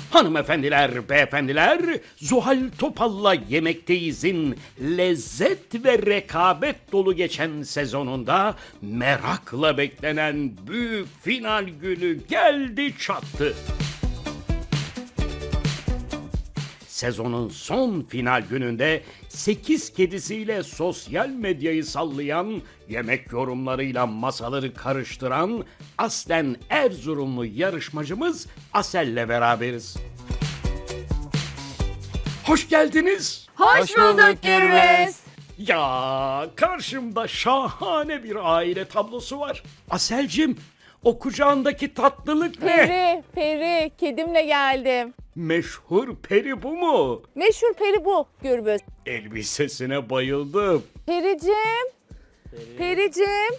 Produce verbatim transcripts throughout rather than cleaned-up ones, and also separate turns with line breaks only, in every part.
Hanımefendiler, beyefendiler, Zuhal Topal'la Yemekteyiz'in lezzet ve rekabet dolu geçen sezonunda merakla beklenen büyük final günü geldi çattı. Sezonun son final gününde sekiz kedisiyle sosyal medyayı sallayan, yemek yorumlarıyla masaları karıştıran aslen Erzurumlu yarışmacımız Asel'le beraberiz. Hoş geldiniz.
Hoş bulduk Gürbüz.
Ya karşımda şahane bir aile tablosu var. Aselcim, o kucağındaki tatlılık ne?
Peri, Peri, kedimle geldim.
Meşhur peri bu mu?
Meşhur Peri bu Gürbüz.
Elbisesine bayıldım.
Pericim, Pericim,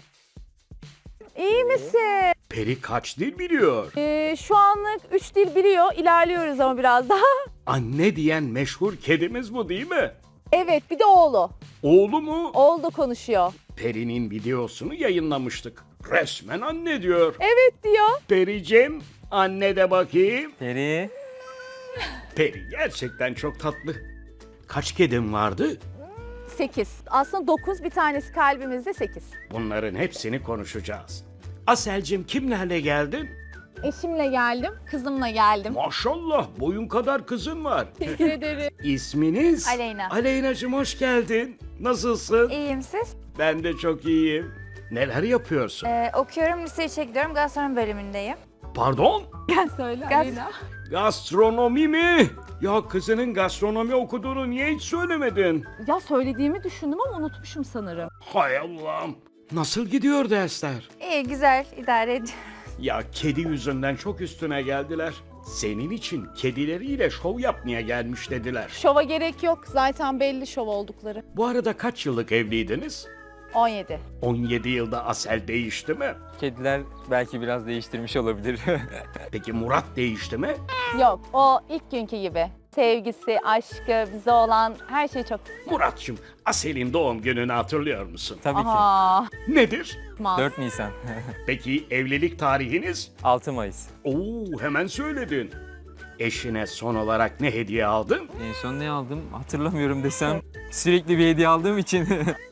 iyi misin?
Peri kaç dil biliyor?
Ee, şu anlık üç dil biliyor, ilerliyoruz ama biraz daha.
Anne diyen meşhur kedimiz bu değil mi?
Evet, bir de oğlu.
Oğlu mu?
Oğlu da konuşuyor.
Peri'nin videosunu yayınlamıştık. Resmen anne diyor.
Evet diyor.
Pericim, anne de bakayım.
Peri.
Peri gerçekten çok tatlı. Kaç kedim vardı?
Sekiz. Aslında dokuz, bir tanesi kalbimizde sekiz.
Bunların hepsini konuşacağız. Aselcim, kimlerle geldin?
Eşimle geldim, kızımla geldim.
Maşallah, boyun kadar kızın var.
Teşekkür ederim.
İsminiz?
Aleyna.
Aleyna'cığım hoş geldin. Nasılsın?
İyiyim siz?
Ben de çok iyiyim. Neler yapıyorsun?
Ee, okuyorum, lise üçe gidiyorum. Gastronomi bölümündeyim.
Pardon?
Gel söyle
Gaz-
Aleyna.
Gastronomi mi? Ya kızının gastronomi okuduğunu niye hiç söylemedin?
Ya söylediğimi düşündüm ama unutmuşum sanırım.
Hay Allah'ım. Nasıl gidiyor dersler?
İyi, güzel, idare ediyorum.
Ya kedi yüzünden çok üstüne geldiler. Senin için kedileriyle şov yapmaya gelmiş dediler.
Şova gerek yok. Zaten belli şov oldukları.
Bu arada kaç yıllık evliydiniz?
on yedi.
on yedi yılda Asel değişti mi?
Kediler belki biraz değiştirmiş olabilir.
Peki Murat değişti mi?
Yok, o ilk günkü gibi. Sevgisi, aşkı, bize olan her şey çok
Murat'cığım, Asel'in doğum gününü hatırlıyor musun?
Tabii
Aha,
Nedir?
ki.
mas.
dört Nisan.
Peki evlilik tarihiniz?
altı Mayıs.
Oo, hemen söyledin. Eşine son olarak ne hediye aldın?
En son ne aldım hatırlamıyorum desem. Sürekli bir hediye aldığım için.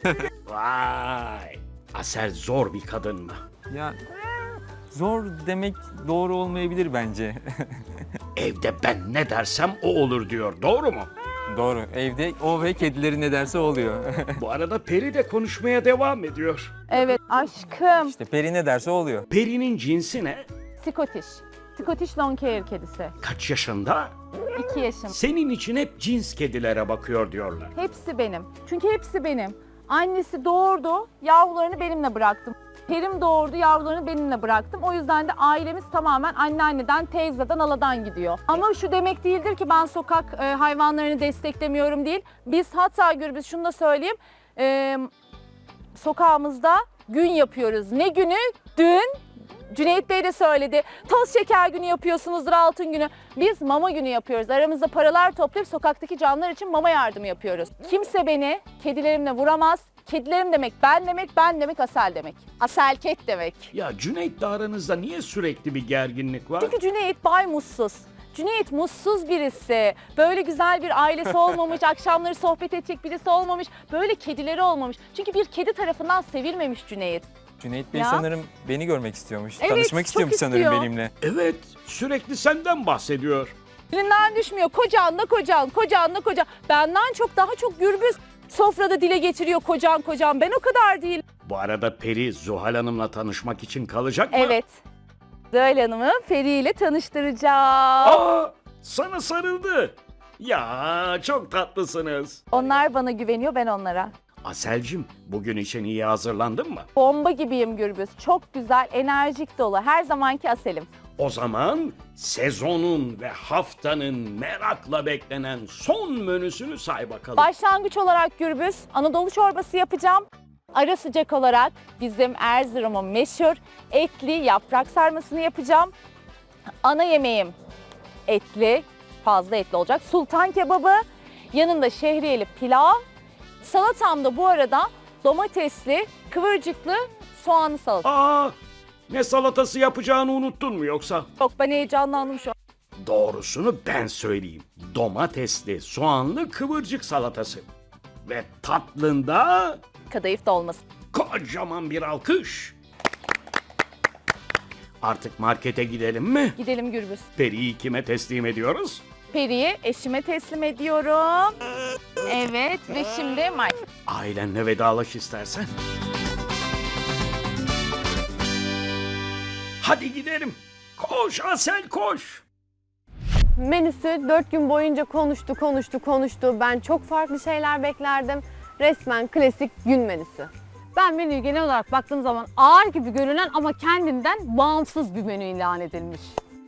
Vay! Asel zor bir kadın mı?
Ya zor demek doğru olmayabilir bence.
Evde ben ne dersem o olur diyor. Doğru mu?
Doğru. Evde o ve kedileri ne derse oluyor.
Bu arada Peri de konuşmaya devam ediyor.
Evet, aşkım.
İşte Peri ne derse oluyor.
Peri'nin cinsi ne?
Scottish. Scottish Longhair kedisi.
Kaç yaşında?
iki yaşım.
Senin için hep cins kedilere bakıyor diyorlar.
Hepsi benim. Çünkü hepsi benim. Annesi doğurdu, yavrularını benimle bıraktım. Perim doğurdu, yavrularını benimle bıraktım. O yüzden de ailemiz tamamen anneanneden, teyzeden, aladan gidiyor. Ama şu demek değildir ki ben sokak e, hayvanlarını desteklemiyorum değil. Biz hatta Gürbüz şunu da söyleyeyim. E, sokağımızda gün yapıyoruz. Ne günü? Dün Cüneyt Bey de söyledi. Toz şeker günü yapıyorsunuzdur, altın günü. Biz mama günü yapıyoruz. Aramızda paralar toplayıp sokaktaki canlar için mama yardımı yapıyoruz. Kimse beni kedilerimle vuramaz. Kedilerim demek ben demek, ben demek Asel demek. Aselket demek.
Ya Cüneyt'le aranızda niye sürekli bir gerginlik var?
Çünkü Cüneyt bay mutsuz. Cüneyt mutsuz birisi. Böyle güzel bir ailesi olmamış, akşamları sohbet edecek birisi olmamış. Böyle kedileri olmamış. Çünkü bir kedi tarafından sevilmemiş Cüneyt.
Cüneyt Bey
Ya.
sanırım beni görmek istiyormuş.
Evet,
Tanışmak
çok
istiyormuş sanırım
istiyor.
benimle.
Evet, sürekli senden bahsediyor.
Dilinden düşmüyor. Kocan da kocan, kocan da kocan. Benden çok daha çok Gürbüz sofrada dile getiriyor kocan kocan. Ben o kadar değil.
Bu arada Peri Zuhal Hanım'la tanışmak için kalacak mı?
Evet. Zuhal Hanım'ı Peri ile tanıştıracağım.
Aa, sana sarıldı. Ya çok tatlısınız.
Onlar bana güveniyor, ben onlara.
Aselcim, bugün için iyi hazırlandın mı?
Bomba gibiyim Gürbüz. Çok güzel, enerjik dolu. Her zamanki Asel'im.
O zaman sezonun ve haftanın merakla beklenen son menüsünü say bakalım.
Başlangıç olarak Gürbüz, Anadolu çorbası yapacağım. Ara sıcak olarak bizim Erzurum'un meşhur etli yaprak sarmasını yapacağım. Ana yemeğim etli, fazla etli olacak. Sultan kebabı, yanında şehriyeli pilav. Salatam da bu arada domatesli, kıvırcıklı, soğanlı salata.
Aa, ne salatası yapacağını unuttun mu yoksa?
Yok, ben heyecanlandım şu an.
Doğrusunu ben söyleyeyim. Domatesli, soğanlı kıvırcık salatası. Ve tatlında
Kadayıf dolması.
kocaman bir alkış. Artık markete gidelim mi?
Gidelim Gürbüz.
Peri'yi kime teslim ediyoruz?
Peri'yi eşime teslim ediyorum. Evet ve şimdi Mike.
Ailenle vedalaş istersen. Hadi gidelim. Koş Asel koş.
Menüsü dört gün boyunca konuştu, konuştu, konuştu. Ben çok farklı şeyler beklerdim. Resmen klasik gün menüsü. Ben menüyü genel olarak baktığım zaman ağır gibi görünen ama kendinden bağımsız bir menü ilan edilmiş.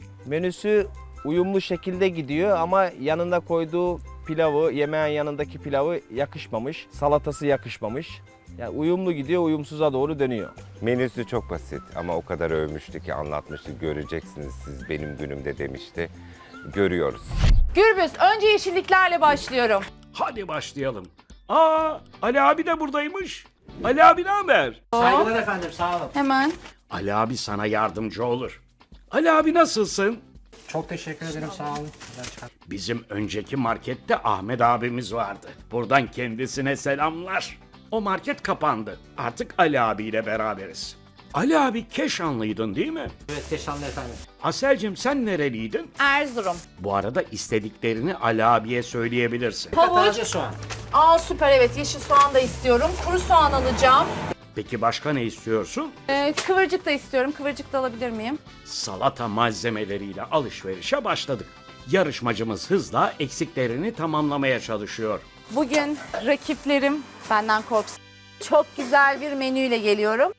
Menüsü uyumlu şekilde gidiyor ama yanında koyduğu pilavı, yemeğin yanındaki pilavı yakışmamış. Salatası yakışmamış. Yani uyumlu gidiyor, uyumsuza doğru dönüyor.
Menüsü çok basit ama o kadar övmüştü ki anlatmıştı. Göreceksiniz siz benim günümde demişti. Görüyoruz.
Gürbüz önce yeşilliklerle başlıyorum.
Hadi başlayalım. Aa, Ali abi de buradaymış. Ali abi ne haber?
Saygılar efendim, sağ olun.
Hemen.
Ali abi sana yardımcı olur. Ali abi nasılsın?
Çok teşekkür ederim, sağ olun. Güzel çıkar.
Bizim önceki markette Ahmet abimiz vardı. Buradan kendisine selamlar. O market kapandı. Artık Ali abiyle beraberiz. Ali abi Keşanlıydın değil mi?
Evet, Keşanlı efendim.
Aselcim sen nereliydin?
Erzurum.
Bu arada istediklerini Ali abiye söyleyebilirsin.
Havuç.
Taze soğan.
Aa süper, evet, yeşil soğan da istiyorum. Kuru soğan alacağım.
Peki başka ne istiyorsun?
Ee, kıvırcık da istiyorum. Kıvırcık da alabilir miyim?
Salata malzemeleriyle alışverişe başladık. Yarışmacımız hızla eksiklerini tamamlamaya çalışıyor.
Bugün rakiplerim benden korksun. Çok güzel bir menüyle geliyorum.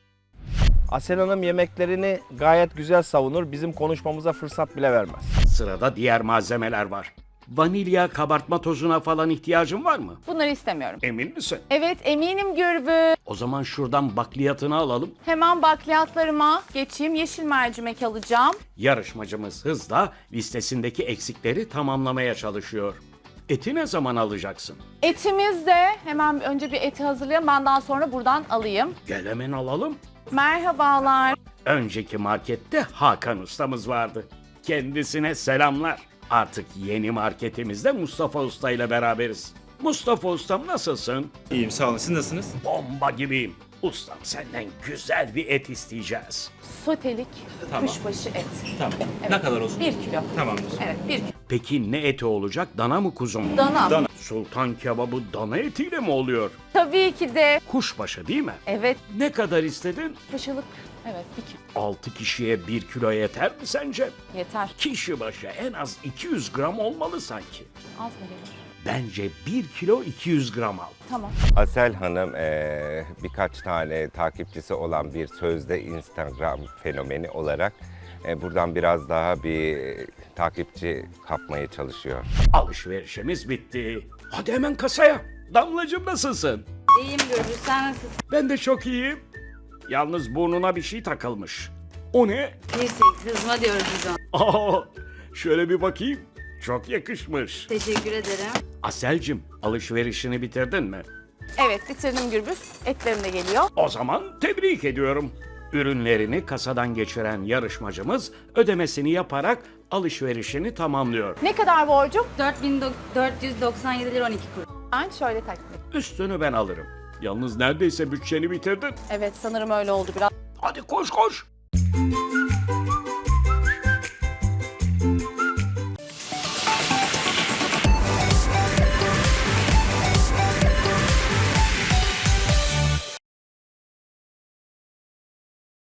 Asel Hanım yemeklerini gayet güzel savunur. Bizim konuşmamıza fırsat bile vermez.
Sırada diğer malzemeler var. Vanilya, kabartma tozuna falan ihtiyacın var mı?
Bunları istemiyorum.
Emin misin?
Evet, eminim Gürbüz.
O zaman şuradan bakliyatını alalım.
Hemen bakliyatlarıma geçeyim. Yeşil mercimek alacağım.
Yarışmacımız hızla listesindeki eksikleri tamamlamaya çalışıyor. Eti ne zaman alacaksın?
Etimiz de hemen önce bir eti hazırlayayım. Ben daha sonra buradan alayım.
Gel hemen alalım.
Merhabalar.
Önceki markette Hakan ustamız vardı. Kendisine selamlar. Artık yeni marketimizde Mustafa Usta ile beraberiz. Mustafa Ustam nasılsın?
İyiyim sağ olun. Siz nasılsınız?
Bomba gibiyim. Ustam senden güzel bir et isteyeceğiz.
Sotelik
Tamam.
kuşbaşı et.
Tamam. Ne kadar olsun?
Bir kilo.
Tamamdır.
Evet, bir kilo.
Peki ne eti olacak? Dana mı kuzu mu?
Dana.
Dana.
Sultan kebabı dana etiyle mi oluyor?
Tabii ki de.
Kuşbaşı değil mi?
Evet,
Ne kadar istedin?
kuşbaşılık. Evet, bir kilo.
altı kişiye bir kilo yeter mi sence?
Yeter.
Kişi başı en az iki yüz gram olmalı sanki.
Az mı gelir?
Bence bir kilo iki yüz gram al.
Tamam.
Asel Hanım eee, birkaç tane takipçisi olan bir sözde Instagram fenomeni olarak eee, buradan biraz daha bir takipçi kapmaya çalışıyor.
Alışverişimiz bitti. Hadi hemen kasaya. Damlacığım nasılsın?
İyiyim Gürbüz, sen nasılsın?
Ben de çok iyiyim. Yalnız burnuna bir şey takılmış. O ne?
Piercing, hızma diyoruz biz ona.
Aa, şöyle bir bakayım. Çok yakışmış.
Teşekkür ederim.
Aselcim, alışverişini bitirdin mi?
Evet, bitirdim Gürbüz. Etlerim de geliyor.
O zaman tebrik ediyorum. Ürünlerini kasadan geçiren yarışmacımız ödemesini yaparak alışverişini tamamlıyor.
Ne kadar borcum?
dört bin dört yüz doksan yedi lira on iki kuruş.
Ben şöyle takdim edeyim.
Üstünü ben alırım. Yalnız neredeyse bütçeni bitirdin.
Evet, sanırım öyle oldu biraz.
Hadi koş koş.